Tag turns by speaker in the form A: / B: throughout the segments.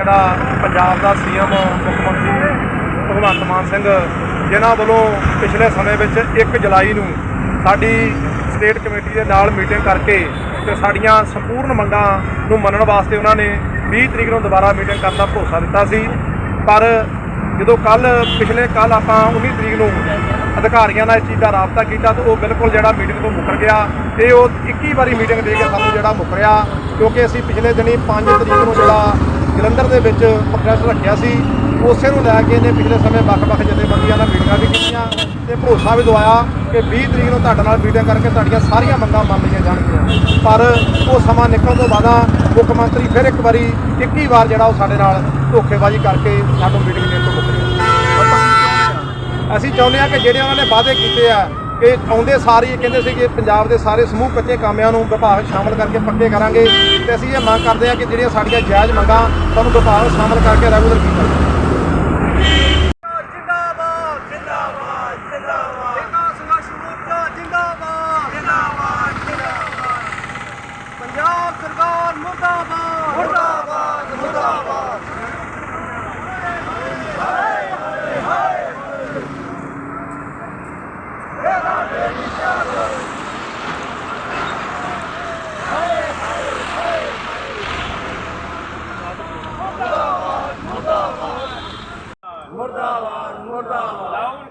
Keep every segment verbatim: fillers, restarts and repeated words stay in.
A: ਜਿਹੜਾ ਪੰਜਾਬ ਦਾ ਸੀਐਮ ਮੁੱਖ ਮੰਤਰੀ ਭਗਵੰਤ ਮਾਨ ਸਿੰਘ ਜਿਨ੍ਹਾਂ ਵੱਲੋਂ ਪਿਛਲੇ ਸਮੇਂ ਵਿੱਚ ਇੱਕ ਜੁਲਾਈ ਨੂੰ ਸਾਡੀ ਸਟੇਟ ਕਮੇਟੀ ਦੇ ਨਾਲ ਮੀਟਿੰਗ ਕਰਕੇ ਤੇ ਸਾਡੀਆਂ ਸੰਪੂਰਨ ਮੰਗਾਂ ਨੂੰ ਮੰਨਣ ਵਾਸਤੇ ਉਹਨਾਂ ਨੇ ਵੀਹ ਤਰੀਕ ਨੂੰ ਦੁਬਾਰਾ ਮੀਟਿੰਗ ਕਰਨ ਦਾ ਭਰੋਸਾ ਦਿੱਤਾ ਸੀ। ਪਰ ਜਦੋਂ ਕੱਲ ਪਿਛਲੇ ਕੱਲ ਆਪਾਂ ਉੱਨੀ ਤਰੀਕ ਨੂੰ ਅਧਿਕਾਰੀਆਂ ਨਾਲ ਇਸ ਚੀਜ਼ ਦਾ ਰਾਬਤਾ ਕੀਤਾ ਤਾਂ ਉਹ ਬਿਲਕੁਲ ਜਿਹੜਾ ਮੀਟਿੰਗ ਤੋਂ ਮੁੱਕਰ ਗਿਆ। ਇਹ ਉਹ ਇੱਕੀ ਵਾਰੀ ਮੀਟਿੰਗ ਦੇ ਕੇ ਸਾਨੂੰ ਜਿਹੜਾ ਮੁੱਕਰਿਆ, ਕਿਉਂਕਿ ਅਸੀਂ ਪਿਛਲੇ ਦਿਨੀ ਪੰਜ ਤਰੀਕ ਨੂੰ ਜਿਹੜਾ ਜਲੰਧਰ ਦੇ ਵਿੱਚ ਪ੍ਰੋਟੈਸਟ ਰੱਖਿਆ ਸੀ, ਉਸੇ ਨੂੰ ਲੈ ਕੇ ਇਹਨੇ ਪਿਛਲੇ ਸਮੇਂ ਵੱਖ-ਵੱਖ ਜਥੇਬੰਦੀਆਂ ਨਾਲ ਮੀਟਿੰਗਾਂ ਵੀ ਕੀਤੀਆਂ ਤੇ ਭਰੋਸਾ ਵੀ ਦਵਾਇਆ ਕਿ ਵੀਹ ਤਰੀਕ ਨੂੰ ਤੁਹਾਡੇ ਨਾਲ ਮੀਟਿੰਗ ਕਰਕੇ ਤੁਹਾਡੀਆਂ ਸਾਰੀਆਂ ਮੰਗਾਂ ਮੰਨ ਲਈਆਂ ਜਾਣਗੀਆਂ। ਪਰ ਉਹ ਸਮਾਂ ਨਿਕਲਣ ਤੋਂ ਬਾਅਦ ਮੁੱਖ ਮੰਤਰੀ ਫਿਰ ਇੱਕ ਵਾਰੀ ਇੱਕੀ ਵਾਰ ਜਿਹੜਾ ਉਹ ਸਾਡੇ ਨਾਲ ਧੋਖੇਬਾਜ਼ੀ ਕਰਕੇ ਸਾਨੂੰ ਮੀਟਿੰਗ ਦੇਣ ਤੋਂ ਮੁੱਕਰਿਆ। ਅਸੀਂ ਚਾਹੁੰਦੇ ਹਾਂ ਕਿ ਜਿਹੜੇ ਉਹਨਾਂ ਨੇ ਵਾਅਦੇ ਕੀਤੇ ਆ ਕਿ ਆਉਂਦੇ ਸਾਰੇ ਹੀ ਕਹਿੰਦੇ ਸੀ ਕਿ ਪੰਜਾਬ ਦੇ ਸਾਰੇ ਸਮੂਹ ਕੱਚੇ ਕਾਮਿਆਂ ਨੂੰ ਵਿਭਾਗ ਸ਼ਾਮਲ ਕਰਕੇ ਪੱਕੇ ਕਰਾਂਗੇ, ਤੇ ਅਸੀਂ ਇਹ ਮੰਗ ਕਰਦੇ ਹਾਂ ਕਿ ਜਿਹੜੀਆਂ ਸਾਡੀਆਂ ਜਾਇਜ਼ ਮੰਗਾਂ ਸਾਨੂੰ ਵਿਭਾਗ ਸ਼ਾਮਲ ਕਰਕੇ ਰੈਗੂਲਰ ਕੀਤਾ ਜਾਵੇ।
B: ਪੰਜਾਬ ਸਰਕਾਰ ਮੁਰਦਾਬਾਦ ਮੁਰਦਾਬਾਦ ਮੁਰਦਾਬਾਦ। ਮੁਰਦਾਬਾਦ ਮੁਰਦਾਬਾਦ।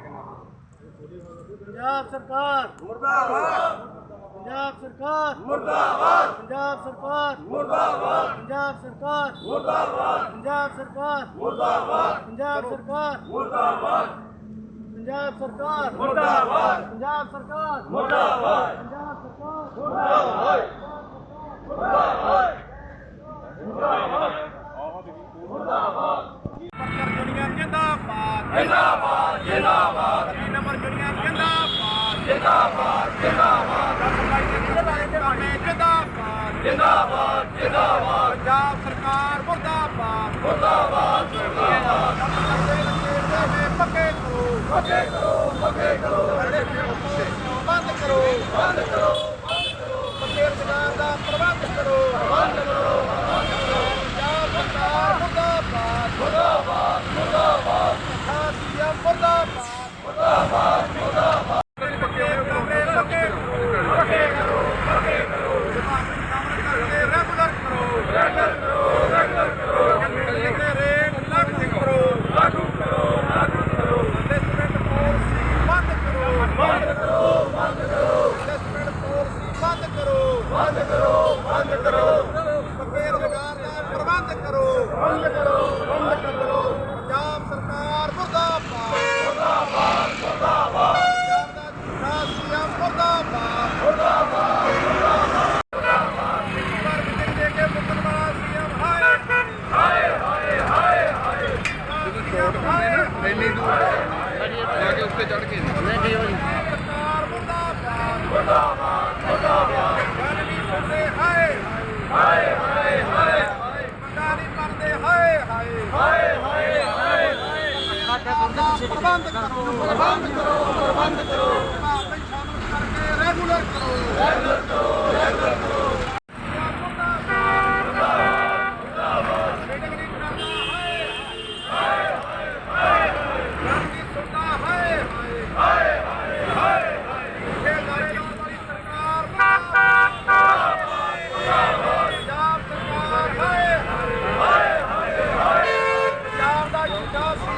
B: ਪੰਜਾਬ ਸਰਕਾਰ ਮੁਰਦਾਬਾਦ। ਪੰਜਾਬ ਸਰਕਾਰ ਮੁਰਦਾਬਾਦ। ਪੰਜਾਬ ਸਰਕਾਰ ਮੁਰਦਾਬਾਦ। ਪੰਜਾਬ ਸਰਕਾਰ ਮੁਰਦਾਬਾਦ। ਪੰਜਾਬ ਸਰਕਾਰ ਮੁਰਦਾਬਾਦ। ਪੰਜਾਬ ਸਰਕਾਰ ਮੁਰਦਾਬਾਦ। ਪੰਜਾਬ ਸਰਕਾਰ ਮੁਰਦਾਬਾਦ। ਪੰਜਾਬ ਸਰਕਾਰ ਮੁਰਦਾਬਾਦ। ਪੰਜਾਬ ਸਰਕਾਰ ਮੁਰਦਾਬਾਦ। ਮੁਰਦਾਬਾਦ ਮੁਰਦਾਬਾਦ।
A: ਵਰਕਰ ਯੂਨੀਅਨ ਜਿੰਦਾਬਾਦ
B: ਜਿੰਦਾਬਾਦ ਜਿੰਦਾਬਾਦ।
A: ਤਿੰਨ ਨੰਬਰ ਯੂਨੀਅਨ ਜਿੰਦਾਬਾਦ
B: ਜਿੰਦਾਬਾਦ ਜਿੰਦਾਬਾਦ।
A: ਜਿੰਦਾਬਾਦ
B: ਜਿੰਦਾਬਾਦ ਜਿੰਦਾਬਾਦ।
A: ਪੰਜਾਬ ਸਰਕਾਰ ਮੁਰਦਾਬਾਦ
B: ਮੁਰਦਾਬਾਦ ਮੁਰਦਾਬਾਦ।
A: ਪੱਕੇ ਕਰੋ
B: ਪੱਕੇ ਕਰੋ ਪੱਕੇ ਕਰੋ
A: ਬੰਦ ਕਰੋ
B: ਬੰਦ ਕਰੋ
A: ਪੱਕੇ ਰੁਜ਼ਗਾਰ ਦਾ ਪ੍ਰਬੰਧ ਕਰੋ
B: ਬੰਦ ਕਰੋ
A: ਪੰਜਾਬ ਸਰਕਾਰ ਮੁਰਦਾਬਾਦ
B: ਮੁਰਦਾਬਾਦ ਮੁਰਦਾਬਾਦ
A: ਸੀਐਮ ਮੁਰਦਾਬਾਦ
B: ਮੁਰਦਾਬਾਦ ਮੁਰਦਾਬਾਦ।
A: ਪੱਕੇ ਪੱਕੇ
B: ਪੱਕੇ ਕਰੋ ਪੱਕੇ ਕਰੋ
A: ਰੈਗੂਲਰ ਕਰੋ
B: ਰੈਗੂਲਰ ਕਰੋ ਰੈਗੂਲਰ ਕਰੋ
A: ਰੇਟ ਲਾਗੂ ਕਰੋ
B: ਲਾਗੂ ਕਰੋ ਲਾਗੂ ਕਰੋ
A: ਅਸੈਸਮੈਂਟ ਪਾਲਿਸੀ ਬੰਦ ਕਰੋ
B: ਬੰਦ ਕਰੋ ਬੰਦ ਕਰੋ
A: ਅਸੈਸਮੈਂਟ ਪਾਲਿਸੀ ਬੰਦ ਕਰੋ
B: ਬੰਦ ਕਰੋ ਬੰਦ ਕਰੋ
A: ਪੱਕੇ ਰੁਜ਼ਗਾਰ ਦਾ ਪ੍ਰਬੰਧ ਕਰੋ
B: ਬੰਦ ਕਰੋ ਬੰਦ ਕਰੋ
A: ਪੰਜਾਬ ਸਰਕਾਰ ਮੁਰਦਾਬਾਦ
B: ਮੁਰਦਾਬਾਦ ਮੁਰਦਾਬਾਦ
A: ਪੰਜਾਬ ਦਾ ਝੂਠਾ ਸੀਐਮ ਮੁਰਦਾਬਾਦ
B: ਮੁਰਦਾਬਾਦ
A: ਪਰ ਮੀਟਿੰਗ ਦੇ ਕੇ ਮੁੱਕਣ ਵਾਲਾ ਸੀਐਮ ਹਾਏ
B: ਹਾਏ ਹਾਏ ਹਾਏ ਹਾਏ।
A: ਜਦੋਂ ਸ਼ੋਟ ਖਾਂਦੇ ਨਾ ਇੰਨੀ ਦੂਰ ਜਾ ਕੇ ਉੱਤੇ ਚੜ ਕੇ ਸਰਕਾਰ ਮੁਰਦਾਬਾਦ
B: ਮੁਰਦਾਬਾਦ ਮੁਰਦਾਬਾਦ।
A: ਗੱਲ ਨਹੀਂ ਸੁਣਦੇ ਹਾਏ
B: ਹਾਏ ਹਾਏ ਹਾਏ
A: ਮੰਗਾਂ ਨਹੀਂ ਕਰਦੇ ਹਾਏ ਹਾਏ
B: ਹਾਏ ਹਾਏ ਹਾਏ ਹਾਏ।
A: ਪ੍ਰਬੰਧ ਕਰੋ
B: ਪ੍ਰਬੰਧ ਕਰੋ ਪ੍ਰਬੰਧ ਕਰੋ
A: ਵਿਭਾਗ ਵਿੱਚ ਸ਼ਾਮਲ ਕਰਕੇ ਰੈਗੂਲਰ ਕਰੋ
B: ਰੈਗੂਲਰ ਕਰੋ ਰੈਗੂਲਰ ਕਰੋ
A: ਮੀਟਿੰਗ ਨਹੀਂ ਕਰਦਾ ਹਾਏ ਹਾਏ ਹਾਏ ਗੱਲ ਨਹੀਂ ਸੁਣਦਾ ਹਾਏ ਹਾਏ
B: ਹਾਏ ਹਾਏ ਹਾਏ।
A: ਇਹ ਦਾਰੇ ਲਾਉਣ ਵਾਲੀ ਸਰਕਾਰ ਮੁਰਦਾਬਾਦ ਪੰਜਾਬ ਸਰਕਾਰ ਹਾਏ
B: ਹਾਏ ਹਾਏ ਹਾਏ।
A: ਪੰਜਾਬ ਦਾ ਝੂਠਾ